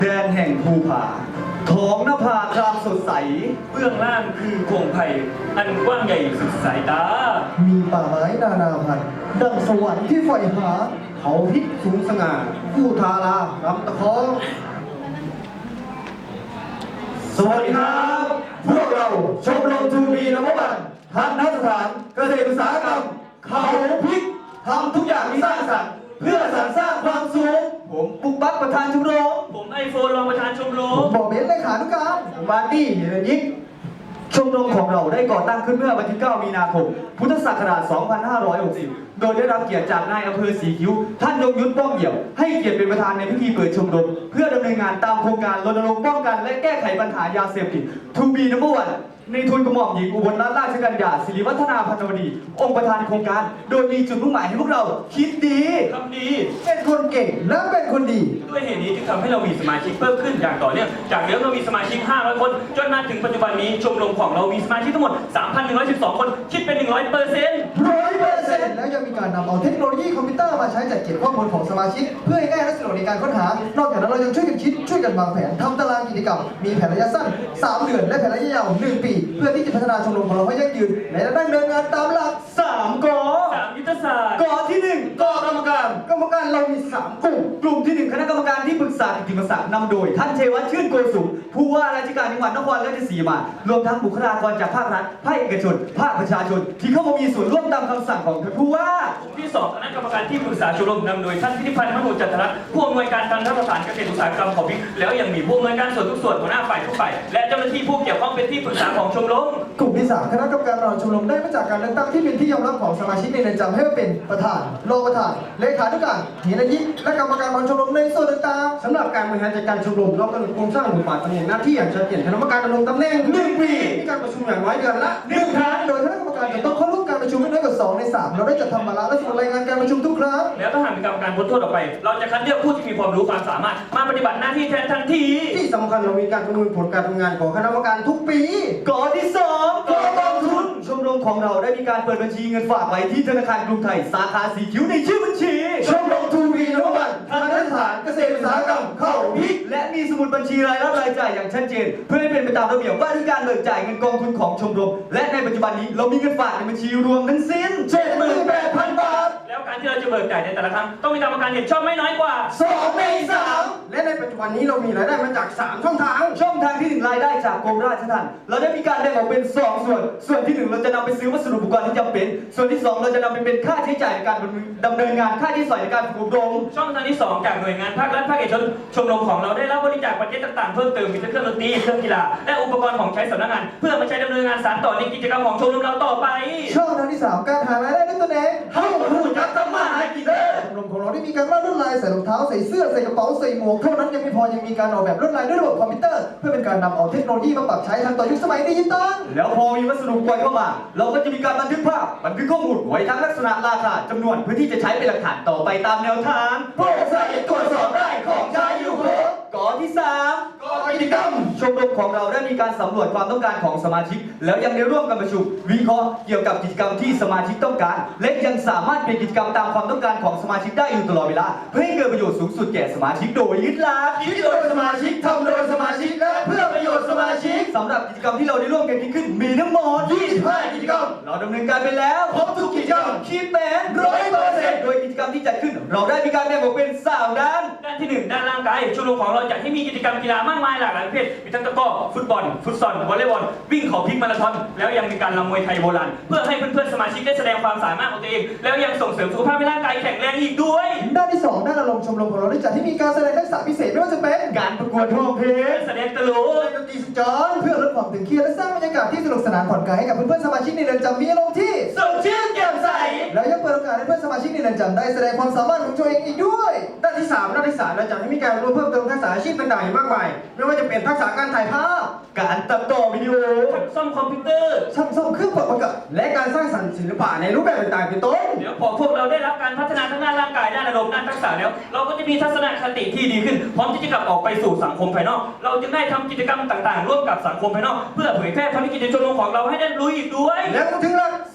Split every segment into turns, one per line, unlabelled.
แดนแห่งภูผาท้องนภาครามสดใส
เบื้องล่างคือโขงไผ่อันกว้างใหญ่สุดสายตา
มีป่าไม้นานาพันธุ์ดังสวรรค์ที่ใฝ่หาเขาพิษสูงสง่าผู้ทารารำตะคองสวัสดีครับ พวกเราชมรมทูบีนวบันทันทสถานเกษตรอุตสาหกรรมเขาพิษทำทุกอย่างที่สร้างสรรค์เพื่อสรรสร้างความสุข
ผมปุกปั๊กประธานชมรม
ผมไอโฟนรองประธานชมร
ผม มบอกเบนเลขานุการผมบาร์ตี้เฮเลนยิก
ชมรมของเราได้ก่อตั้งขึ้นเมื่อวันที่ 9 มีนาคม พุทธศักราช 2560 โดยได้รับเกียรติจากนายอำเภอสีคิ้ว ท่านยงยุทธป้อมเหี่ยว ให้เกียรติเป็นประธานในพิธีเปิดชมรม เพื่อดำเนินงานตามโครงการรณรงค์ป้องกันและแก้ไขปัญหายาเสพติด To be number one ในทุนกระหม่อมหญิงอุบลรัตนราชกัญญาศิริวัฒนาพันธวดี องค์ประธานโครงการ โดยมีจุดมุ่งหมายให้พวกเราคิดดี
ทำดี
เป็นคนเก่งและเป็นคนดี
ด้วยเหตุนี้จึงทำให้เรามีสมาชิกเพิ่มขึ้นอย่างต่อเนื่องจากเดิมเรามีสมาชิก 500 คน จนมาถึงปัจจุบันนี้ชมรมของเรามีสมาชิกทั้งหมด 3,112 คน คิดเป็น 100%
100%แล้วยังมีการนำเอาเทคโนโลยีคอมพิวเตอร์มาใช้จัดเก็บข้อมูลของสมาชิก เพื่อให้ง่ายและสะดวกในการค้นหา นอกจากนั้นเรายังช่วยกันคิดช่วยกันวางแผนทำตารางกิจกรรม มีแผนระยะสั้น 3 เดือน และแผนระยะยาว 1 ปี เพื่อที่จะพัฒนาชมรมของเราให้ยั่งยืนและดำเนินงานตามหลัก
3 กอ
3 ยุทธศาสตร์
กอที่ 1
กกรรมการเรามี 3 กลุ่ม
กลุ่มที่ 1 คณะกรรมการที่ปรึกษากิตติมศักดิ์นำโดย ท่านเชวัตชื่นโกสุมผู้ว่าราชการจังหวัดนครราชสีมารวมทั้งบุคลากรจากภาครัฐภาคเอกชน ภาคประชาชน ที่เข้ามามีส่วนร่วมตามคำสั่งของท่านผู้ว่า
ที่ 2 คณะกรรมการที่ปรึกษาชมรมนำโดยท่านพิธิพันธ์มโนจันทรัตน์ผู้อำนวยการทันทสถานเกษตรอุตสาหกรรมของพิกแล้วยังมีผู้อำนวยการส่วนทุกส่วนหัวหน้าฝ่ายทุกฝ่ายและเจ้าหน้าที่ผู้เกี่ยวข้องเป็นที่ปรึกษาของชมรม
กลุ่มที่ 3 คณะกรรมการบริหารชมรมได้มาจากการเลือกตั้งที่เป็นที่ยอมรับของสมาชิกในเรือนจำให้มาเป็นประธานรองประธานเลขานุการเฮนยิกและกรรมการบริหารชมรมในส่วนต่างๆสำหรับการบริหารจัดการชมรมเรากำหนดโครงสร้างบทบาทตำแหน่งหน้าที่อย่างชัดเจนคณะกรรมการดำรงตำแหน่ง1 ปีมีการประชุมอย่างน้อยเดือนละ1 ครั้งโดยคณะกรรมการจะต้องเข้าร่วมการประชุมไม่น้อยกว่า2 ใน 3เราได้จัดทำวาระและสรุปรายงานการประชุมทุกครั้ง
แล้วถ้าหากมีกรรมการพ้นโทษออกไป เราจะคัดเลือกผู้ที่มีความรู้ความสามารถมาปฏิบัติหน้าที่แทนทันที
ที่สำคัญเรามีการประเมินผลการทำงานของคณะกรรมการทุกปี
กอที่ 2 กอกองทุน ชมรมของเราได้มีการเปิดบัญชีเงินฝากไว้ที่ธนาคารกรุงไทยสาขาสีคิ้วในชื่อบัญชี
ชมรมทูบีนวบันทันทสถานเกษตรอุตสาหกรรมเข้าพิก
และมีสมุดบัญชีรายรับรายจ่ายอย่างชัดเจน เพื่อให้เป็นไปตามระเบียบว่าด้วยการเบิกจ่ายเงินกองทุนของชมรม และในปัจจุบันนี้เรามีเงินฝากในบัญชีรวมทั้งสิ้น
78,000 บาท
แล้วการที่เราจะเบิกจ่ายในแต่ละครั้งต้องมีกรรมการเห็นชอบไม่น้อยกว่า
2 ใน 3 และในปัจจุบันนี้เรามีรายได้มาจาก 3 ช่องทาง
ช่องทางที่ 1 รายได้จากกรมราชทัณฑ์เราได้มีการแบ่งออกเป็น 2 ส่วน ส่วนที่ 1 เราจะนำไปซื้อวัสดุอุปกรณ์ที่จำเป็น ส่วนที่ 2 เราจะนำไปเป็นค่าใช้จ่ายในการดำเนินงานค่าใช้จ่ายในการฝึกอบรม
ช่องทางที่ 2 จากหน่วยงานภาครัฐภาคเอกชนชมรมของเราได้รับบริจาคปัจจัยต่างๆเพิ่มเติมมีทั้งเครื่องดนตรีเครื่องกีฬาและอุปกรณ์ของใช้สำนักงาน เพื่อมาใช้ดำเนินงานสานต่อในกิจกรรมของชมรมเราต่อไป
ช่องทางที่ 3 การหารายได้ด้วยตนเองเข้าหูจักทำมาหากินเด้อชมรมของเราได้มีการวาดลวดลายใส่รองเท้าใส่เสื้อใส่กระเป๋าใส่หมวกเท่านั้นยังไม่พอยังมีการออกแบบลวดลายด้วยระบบคอมพิวเตอร์เพื่อเป็นการนำเอาเทคโนโลยีมาปรับใช้ทันต่อยุคสมัยดิจิตอล
แล้วพอมีวัสดุอุปกรณ์เข้ามา เราก็จะมีการบันทึกภาพบันทึกข้อมูลไว้ทั้งลักษณะราคาจำนวนเพื่อที่จะใช้เป็นหลักฐานต่อไปตามแนวทาง
โปร่งใสตรวจสอบได้ของใช้อยู่ครบ
กอที่ 3
กกิจกรรม
ชมรมของเราได้มีการสำรวจความต้องการของสมาชิก แล้วยังได้ร่วมกันประชุมวิเคราะห์เกี่ยวกับกิจกรรมที่สมาชิกต้องการ และยังสามารถเปลี่ยนกิจกรรมตามความต้องการของสมาชิกได้อยู่ตลอดเวลาเพื่อให้เกิดประโยชน์สูงสุดแก่สมาชิกโดยยึดหลัก
คิดโดยสมาชิกทำโดยสมาชิกและเพื่อประโยชน์สมาชิก
สำหรับกิจกรรมที่เราได้ร่วมกันคิดขึ้นมีทั้งหมด
25 กิจกรรม
เราดำเนินการไปแล้ว
ครบทุกกิจกรรม
คิดเป็น
100%
โดยกิจกรรมที่จัดขึ้น เราได้มีการแบ่งออกเป็น3ด้าน
ด้านที่ 1 ด้านร่างกายชมรมของเราจัดให้มีกิจกรรมกีฬามากมายหลากหลายประเภทมีทั้งตะกร้อฟุตบอลฟุตซอลวอลเลย์บอลวิ่งเขาพลิกมาราธอนแล้วยังมีการรำมวยไทยโบราณเพื่อให้เพื่อนๆสมาชิกได้แสดงความสามารถของตัวเอง แล้วยังส่งเสริมสุขภาพให้ร่างกายแข็งแรงอีกด้วย
ด้านที่ 2 ด้านอารมณ์ชมรมของเราได้จัดให้มีการแสดงทักษะพิเศษไม่ว่าจะเป็น
การประกวดร้องเพลง
แสดงตลก
ดนตรีสุดยอดเพื่อลดความตึงเครียดและสร้างบรรยากาศที่สนุกสนานผ่อนคลายให้กับเพื่อนๆสมาชิกในเรือนจำมีอารมณ์ที่
สดชื่นแจ่มใส
แล้วยังเปิดโอกาสให้เพื่อนสมาชิกในเรือนจำได้แสดงความสามารถของตัวเองอีกด้วย ด้านที่ 3 เราจัดให้มีการร่วมเพิ่มเติมทักษะอาชีพต่างๆอย่างมากมายไม่ว่าจะเป็นทักษะการถ่ายภาพ
การตัดต่อวิดีโอ
ซ่อมคอมพิวเตอร์
ช่างซ่อมเครื่องปรับอากาศและการสร้างสรรค์ศิลปะในรูปแบบต่างๆเป็นต้น
เดี๋ยวพอพวกเราได้รับการพัฒนาทั้งด้านร่างกายด้านอารมณ์ด้านทักษะแล้ว เราก็จะมีทัศนคติที่ดีขึ้น พร้อมที่จะกลับออกไปสู่สังคมภายนอก เราจึงได้ทำกิจกรรมต่างๆ ร่วมกับสังคมภายนอก เพื่อเผยแพร่ภารกิจในชมรมของเราให้ได้รู้อีกด้วย
แล้วก็ถึงหลัก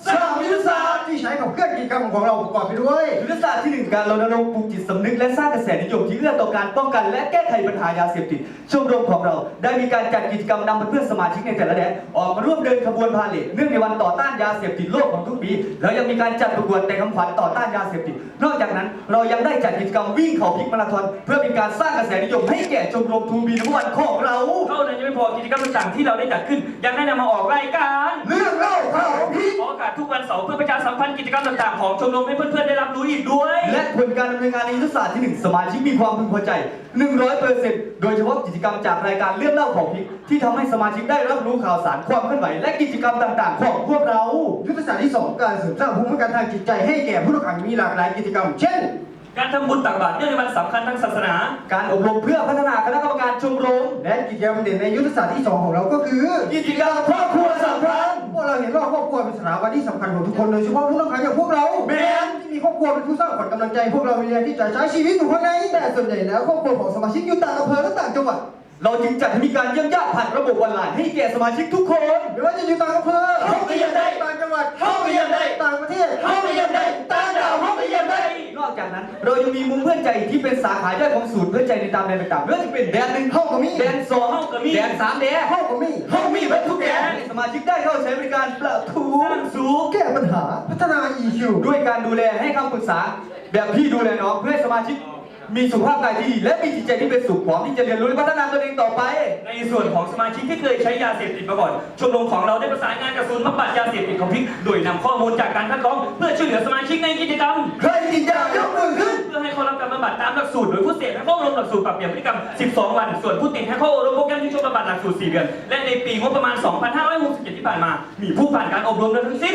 สามยุทธศาสตร์ที่ใช้กับเคลื่อนกิจกรรมของเราประกอบไปด้วย
ยุทธศาสตร์ที่ 1 การรณรงค์ปลูกจิตสำนึกและสร้างกระแสนิยมที่เอื้อต่อการป้องกันและแก้ไขปัญหายาเสพติดชมรมของเราได้มีการจัดกิจกรรมนำเพื่อนสมาชิกในแต่ละแดนออกมาร่วมเดินขบวนพาเหรดเนื่องในวันต่อต้านยาเสพติดโลกของทุกปีแล้วยังมีการจัดประกวดแต่งคำขวัญต่อต้านยาเสพติดนอกจากนั้นเรายังได้จัดกิจกรรมวิ่งเขาพลิกมาราธอนเพื่อเป็นการสร้างกระแสนิยมให้แก่ชมรมทูบีนวันของเรา
เท่านั้นยังไม่พอกิจกรรมต่างๆที่เราได้จัดขึ้นยังได้นำมาออกรายการ
เรื่องเล่าข่าวพลิก
ออกอากาศทุกวันเสาร์เพื่อประชาสัมพันธ์กิจกรรมต่างๆของชมรมให้เพื่อนๆได้รับรู้อีกด้วย
และผลการดำเนินงานในยุทธศาสตร์ที่ 1 สมาชิกมีความพึงพอใจ 100%โดยเฉพาะกิจกรรมจากรายการเรื่องเล่าของพริกที่ทำให้สมาชิกได้รับรู้ข่าวสารความเคลื่อนไหวและกิจกรรมต่างๆ ของพวกเรา
ยุทธศาสตร์ที่ 2 การเสริมสร้างภูมิคุ้มกันทางจิตใจให้แก่ผู้ต้องขังมีหลากหลายกิจกรรม เช่น
การทำบุญตักบาตรเนื่องในวันสำคัญทางศาสนา
การอบรมเพื่อพัฒนาคณะกรรมการชมรม
และกิจกรรมเด่นในยุทธศาสตร์ที่ 2 ของเราก็คือ
กิจกรรมครอบครัวสัมพันธ์
พวกเราเห็นว่าครอบครัวเป็นสถาบันที่สำคัญของทุกคนโดยเฉพาะผู้ต้องขังอย่างพวกเรา
แม่น
ที่มีครอบครัวเป็นผู้สร้างขวัญกำลังใจพวกเราเรียนที่จะใช้ชีวิตอยู่ข้างในแต่ส่วนใหญ่แล้วครอบครัวของสมาชิกอยู่ต่างอำเภอและต่างจังหวัด
เราจึงจัดให้มีการเยี่ยมญาติผ่านระบบออนไลน์ให้แก่สมาชิกทุกคน
ไม่ว่าจะอยู่ต่างอำเภอ
เข้าไปเยี่ยมได้
ต่างจังหวัด
เข้าไปเยี่ยมได้
ต่างประเทศ
เข้าไปเยี่ยมได้ต่างดาวเข้าไปเยี่ยมได้
นอกจากนั้นเรายังมีมุมเพื่อนใจที่เป็นสาขาย่อยของศูนย์เพื่อนใจในตามแดนต่างๆไม่ว่าจะเป็นแดน 1
เข้ากับมี
แดน 2
เข้ากับมี
แดน 3 แดน
เข้ากับมี
เขามีบรรทุกแดนให้สมาชิกได้เข้าใช้บริการประทู
สร้างสูง
แก้ปัญหาพัฒนา EQ
ด้วยการดูแลให้คำปรึกษา แบบพี่ดูแลน้องเพื่อให้สมาชิกมีสุขภาพกายที่ดีและมีจิตใจที่เป็นสุขพร้อมที่จะเรียนรู้และพัฒนาตนเองต่อไป
ในส่วนของสมาชิกที่เคยใช้ยาเสพติดมาก่อนชมรมของเราได้ประสานงานกับศูนย์บำบัดยาเสพติดของพริกโดยนำข้อมูลจากการคัดกรองเพื่อช่วยเหลือสมาชิกในกิจกรรม
ใครติดยายกมือขึ้น
เพื่อให้เข้ารับการบำบัดตามหลักสูตรโดยผู้เสพให้เข้าอบรมหลักสูตรปรับเปลี่ยนพฤติกรรม 12 วัน ส่วนผู้ติดให้เข้าอบรมโปรแกรมที่ช่วยบำบัดหลักสูตร 4 เดือน และในปีงบประมาณ 2567 ที่ผ่านมา มีผู้ผ่านการอบรมทั้งสิ้น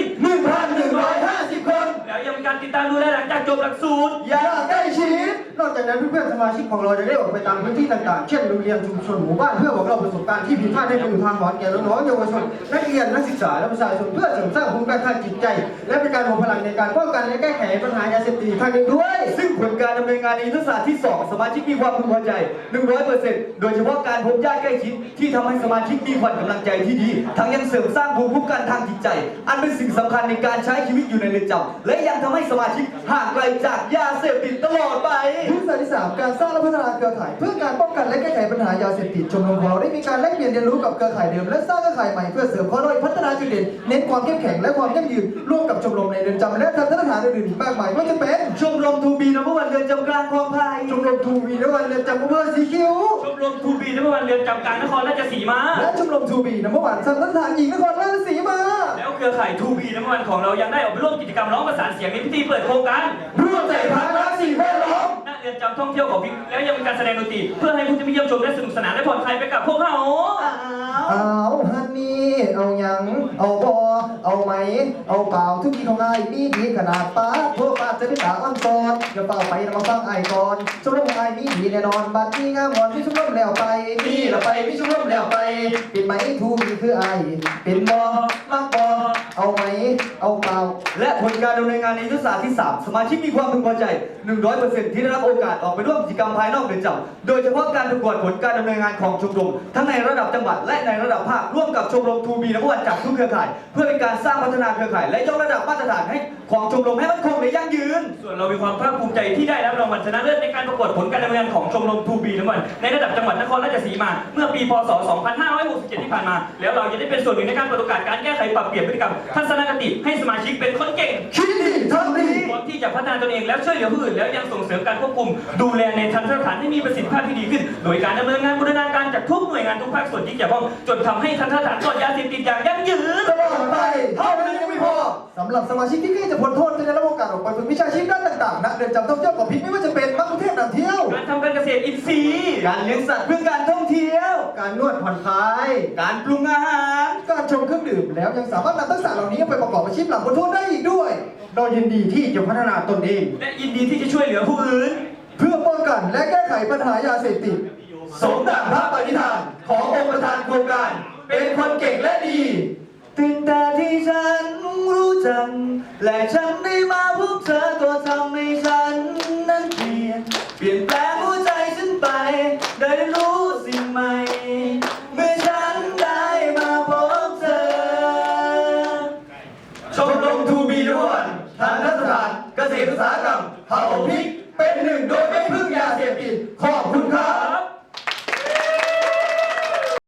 1,150 คน
แล้วยังมีการติดตามดูแลหลังจากจบหลักสูตร
อยากใกล้ชิด
นอกจากนั้นเพื่อนๆสมาชิกของเราจะได้ออกไปตามพื้นที่ต่างๆ เช่นโรงเรียนชุมชนหมู่บ้านเพื่อบอกเล่าประสบการณ์ที่ผิดพลาดให้เป็นอุทาหรณ์แก่น้องๆเยาวชนนักเรียนนักศึกษาและประชาชนเพื่อเสริมสร้างภูมิคุ้มกันทางจิตใจ และเป็นการรวมพลังในการป้องกันและแก้ไขปัญหายาเสพติดอีกทางหนึ่งด้วย
ซึ่งผลการดำเนินงานในยุทธศาสตร์ที่ 2 สมาชิกมีความพึงพอใจ 100%โดยเฉพาะการพบญาติใกล้ชิดที่ทำให้สมาชิกมีขวัญกำลังใจที่ดี ทั้งยังเสริมสร้างภูมิคุ้มกันทางจิตใจ อันเป็นสิ่งสำคัญในการใช้ชีวิตอยู่ในเรือนจำและยังทำให้สมาชิกห่างไกลจากยาเสพติดตลอดไป
ยุทธศาสตร์ที่ 3 การสร้างและพัฒนาเครือข่ายเพื่อการป้องกันและแก้ไขปัญหายาเสพติดชมรมของเราได้มีการแลกเปลี่ยนเรียนรู้กับเครือข่ายเดิมและสร้างเครือข่ายใหม่เพื่อเสริมข้อด้อยพัฒนาจุดเด่นเน้นความเข้มแข็งและความยั่งยืนร่วมกับชมรมในเรือนจำและทันตสถานอื่นๆอีกมากมายไม่ว่าจะเป็น
ชมรมทูบีนวันเรือนจำกลางคลองไผ่
ชมรมทูบีนวันเรือนจำอำเภอสีคิ้ว
ชมรมทูบีนวันเรือนจำกลางนครราชสีมา
และชมรมทูบีนวันทันตสถานหญิงนครราชสีมา
แล้วเครือข่ายทูบีวันของเรายังได้ออกไปร่วมกิจกรรมร้องประสานเสียงในพิธีเปิดโครงการ
ร่วมใจพัฒนาสิ่งแวดล้อม
ณเรือนจำท่องเที่ยวของพริกแล้วยังมีการแสดงดนตรีเพื่อให้ผู้ที่มาเยี่ยมชมได้สนุกสนานและผ่อนคลายไปกับพวกเขา
เอาฮันนี่เอาหยังเอาบอเอาไหมเอาเปล่าทุกทีของไอ้มีดีขนาดป้าโทษป้าจะเป็นตาอ่อนกอนอย่าเปล่าไปมาฟังไอ้ก่อนชมรมของไอ้มีดีแน่นอนบัดนี้งามงอนที่ชมรมแล้วไปนี่ละไปพี่ชมรมแล้วไปเป็นไหมทูมีคือไอ้เป็นบอมักบอเอาไหมเอาเปล่า
และผลการดำเนินงานในยุทธศาสตร์ที่ 3 สมาชิกมีความพึงพอใจ 100% ที่ได้รับโอกาสออกไปร่วมกิจกรรมภายนอกเรือนจำโดยเฉพาะการประกวดผลการดำเนินงานของชมรมทั้งในระดับจังหวัดและในระดับภาคร่วมกับชมรมทูบีนวันจากทุกเครือข่าย เพื่อเป็นการสร้างพัฒนาเครือข่ายและยกระดับมาตรฐานให้ของชมรมให้มั่นคงและยั่งยืน
ส่วนเรามีความภาคภูมิใจที่ได้รับรางวัลชนะเลิศในการประกวดผลการดำเนินงานของชมรมทูบีวันในระดับจังหวัดนครราชสีมาเมื่อปีพศ 2567 ที่ผ่านมา แล้วเราจะได้เป็นส่วนหนึ่งในการเปิดโอกาสการแก้ไขปรับเปลี่ยนพฤติกรรมทัศนคติให้สมาชิกเป็นคนเก่ง
คิดดีทำดี
พร้อมที่จะพัฒนาตนเองแล้วช่วยเหลือผู้อื่นแล้วยังส่งเสริมการควบคุมดูแลในทันตสถานให้มีประสิทธิภาพที่ดีขึ้น โดยการดำเนินงานบูรณาการจากทุกหน่วยงานทุกภาคส่วนที่เกี่ยวข้องจนทำให้ทันตสถานปลอดยาเสพติดอย่างยั่งยืน
ตลอดไปเท่านั้นยังไม่พอสำหรับสมาชิกที่ใกล้จะพ้นโทษจะได้รับโอกาสออกไปฝึกวิชาชีพด้านต่างๆณเรือนจำท่องเที่ยวของพิกไม่ว่าจะเป็นมักคุเทศนำเที่ยว
การทำการเกษตรอินทรีย์
การเลี้ยงสัตว์เพื่อการท่องเที่ยว
การนวดผ่อนคลาย
การปรุงอาหาร
การชมเครื่องดื่มแล้วยังสามารถนำทักษะเหล่านี้ไปประกอบอาชีพหลังพ้นโทษได้อีกด้วยเรายินดีที่จะพัฒนาตนเอง
และยินดีที่จะช่วยเหลือผู้อื่น
เพื่อป้องกันและแก้ไขปัญหายาเสพติด
สมดังพระปณิธานขององค์ประธานโครงการ เป็นคนเก่งและดีตื่นแต่ที่ฉันรู้จักและฉันได้มาพบเธอก็ทำให้ฉันนั้นเปลี่ยนแปลง